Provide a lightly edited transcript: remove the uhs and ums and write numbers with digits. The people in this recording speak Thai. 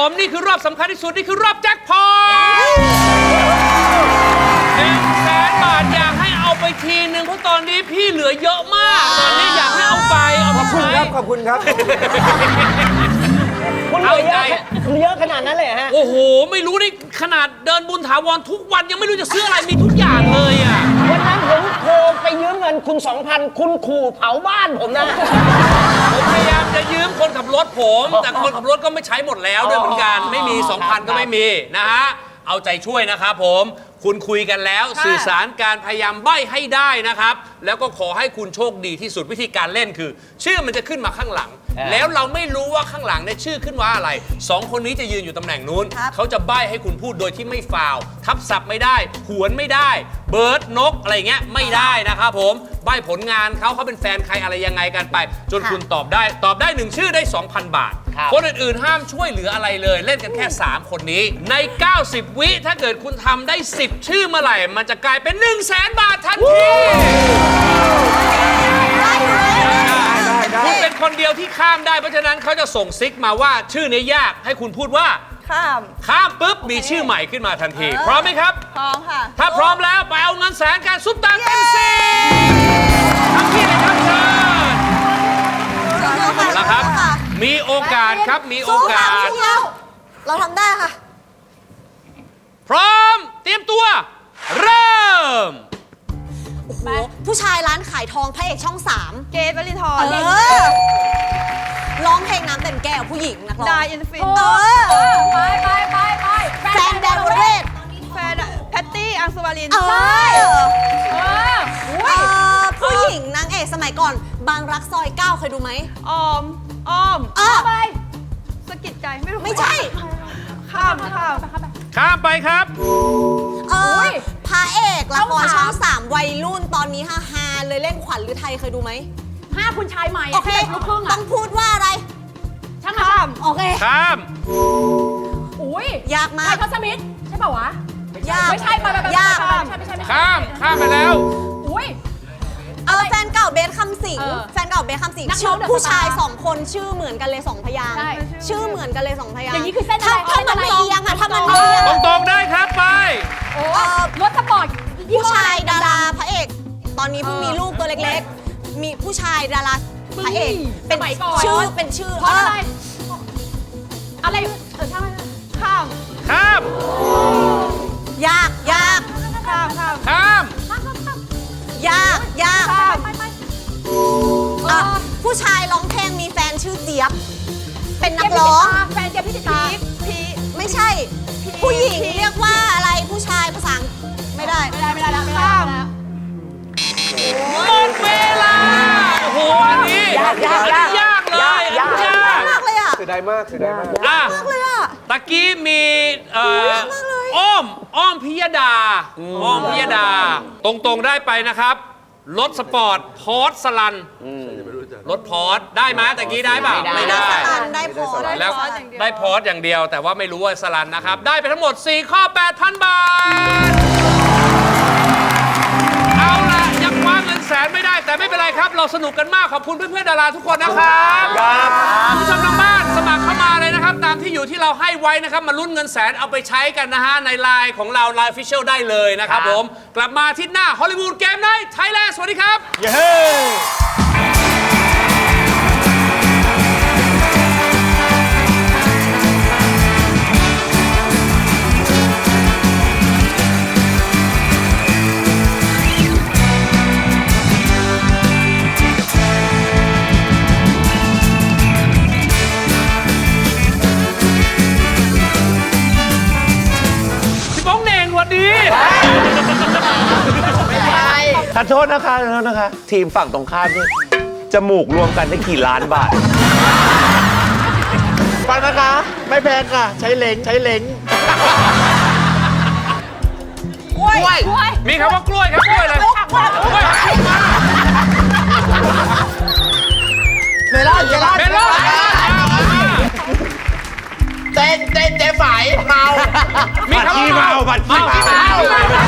ผมนี่คือรอบสำคัญที่สุดนี่คือรอบแจ็คพอต100,000 บาทอยากให้เอาไปทีนึงเพราะตอนนี้พี่เหลือเยอะมากตอนนี้อยากให้เอาไปเอาไปใช้ขอบคุณครับคุณเหลือเยอะขนาดนั้นเลยฮะโอ้โหไม่รู้นี่ขนาดเดินบุญถาวรทุกวันยังไม่รู้จะซื้ออะไรมีทุกอย่างเลยอ่ะวันนั้นผมโทรไปยืมเงินคุณ 2,000 คุณขู่เผาบ้านผมนะผมพยายามจะยืมคนขับรถผมแต่คนขับรถก็ไม่ใช้หมดแล้วด้วยเหมือนกันไม่มี 2,000 ก็ไม่มีนะฮะเอาใจช่วยนะครับผมคุณคุยกันแล้วสื่อสารการพยายามใบ้ให้ได้นะครับแล้วก็ขอให้คุณโชคดีที่สุดวิธีการเล่นคือ ชื่อมันจะขึ้นมาข้างหลัง แล้วเราไม่รู้ว่าข้างหลังเนี่ยชื่อขึ้นว่าอะไร2 คนนี้จะยืนอยู่ตำแหน่งนู้นเขาจะใบ้ให้คุณพูดโดยที่ไม่ฟาวทับศัพท์ไม่ได้หวนไม่ได้เบิร์ดนกอะไรเงี้ยไม่ได้นะครับผมใบ้ผลงานเขาเป็นแฟนใครอะไรยังไงกันไป จนคุณตอบได้1ชื่อได้ 2,000 บาทคนอื่นๆห้ามช่วยเหลืออะไรเลยเล่นกันแค่ 3 คนนี้ใน 90 วิถ้าเกิดคุณทำได้ 10 ชื่อเมื่อไหร่มันจะกลายเป็น 100,000 บาททันทีคุณเป็นคนเดียวที่ข้ามได้เพราะฉะนั้นเขาจะส่งซิกมาว่าชื่อนี้ยากให้คุณพูดว่าข้ามปุ๊บมีชื่อใหม่ขึ้นมาทันทีพร้อมไหมครับพร้อมค่ะถ้าพร้อมแล้วไปเอาเงินแสนการซุปตาเต็มสิทำที่เลยครับเชิญเอาละครับมีโอกาสครับมีโอกาสเราทำได้ค่ะพร้อมเตรียมตัวเริ่มโอ้โหผู้ชายร้านขายทองพระเอกช่อง 3เกรทวรินทร์ร้องเพลงน้ำเต็มแก้วผู้หญิงนักร้องได้อินฟินไปแฟนแดนวรเรศแฟนแพตตี้อังสุวารินผู้หญิงนางเอกสมัยก่อนบางรักซอย 9เคยดูไหมอ้อมไปสกิดใจไม่ใช่ข้ามไปครับพระเอกละครช่อง 3วัยรุ่นตอนนี้ฮาเลยเล่นขวัญฤทัยเคยดูไหม 5คุณชายใหม่โอเคต้องพูดว่าอะไรข้ามโอเคข้ามยากมากไททอสมิธใช่ป่าวะยากไม่ใช่ยากข้ามไปแล้วแฟนเก่าเบสคำสิงชื่อผู้ชาย2 คนชื่อเหมือนกันเลย2 พยางค์ชื่อเหมือนกันเลย2 พยางค์อย่างนี้คือเส้นอะไรถ้ามันไม่เอียงอะถ้ามันไม่เอียงตรงได้ครับไปรถสปอร์ตผู้ชายดาราพระเอกตอนนี้เพิ่งมีลูกตัวเล็กๆมีผู้ชายดาราพระเอกเป็นชื่อเพราะอะไรข้ามยากข้ามยากผู้ชายร้องเพลงมีแฟนชื่อเจี๊ยบเป็นนักร้องแฟนเจี๊ยบพิจิตรไม่ใช่ผู้หญิงเรียกว่าอะไรผู้ชายภาษาไม่ได้ข้ามหมดเวลาโอ้โหอันนี้ยากเลยยากมากเลยอ่ะเสียดายมากเลยอ่ะตะกี้มีอ้อมพิยดาตรงได้ไปนะครับรถสปอร์ตพอร์ตสลันรถพอร์ตได้ไหมตะกี้ได้เปล่าไม่ได้ได้พอร์ตแล้วได้พอร์ตอย่างเดียวแต่ว่าไม่รู้ว่าสลันนะครับได้ไปทั้งหมด4ข้อ 8,000 บาทเอาล่ะยังคว้าเงินแสนไม่ได้แต่ไม่เป็นไรครับเราสนุกกันมากขอบคุณเพื่อนๆดาราทุกคนนะครับผู้ชมทางบ้านสมัครเข้ามาเลยนะครับตามที่อยู่ที่เราให้ไว้นะครับมาลุ้นเงินแสนเอาไปใช้กันนะฮะในไลน์ของเราไลน์ Official ได้เลยนะครับผมกลับมาที่หน้าฮอลลีวูดเกมไนท์ไทยแลนด์สวัสดีครับเย้ขอโทษนะคะทีมฝั่งตรงข้ามนี่จมูกรวมกันได้กี่ล้านบาทฟังนะคะไม่แพงค่ะใช้เล้งกล้วยมีคำว่ากล้วยครับกล้วยเลยเมลอนเจ๊ฝ่ายเมามีคำว่าบัตรขี้เมา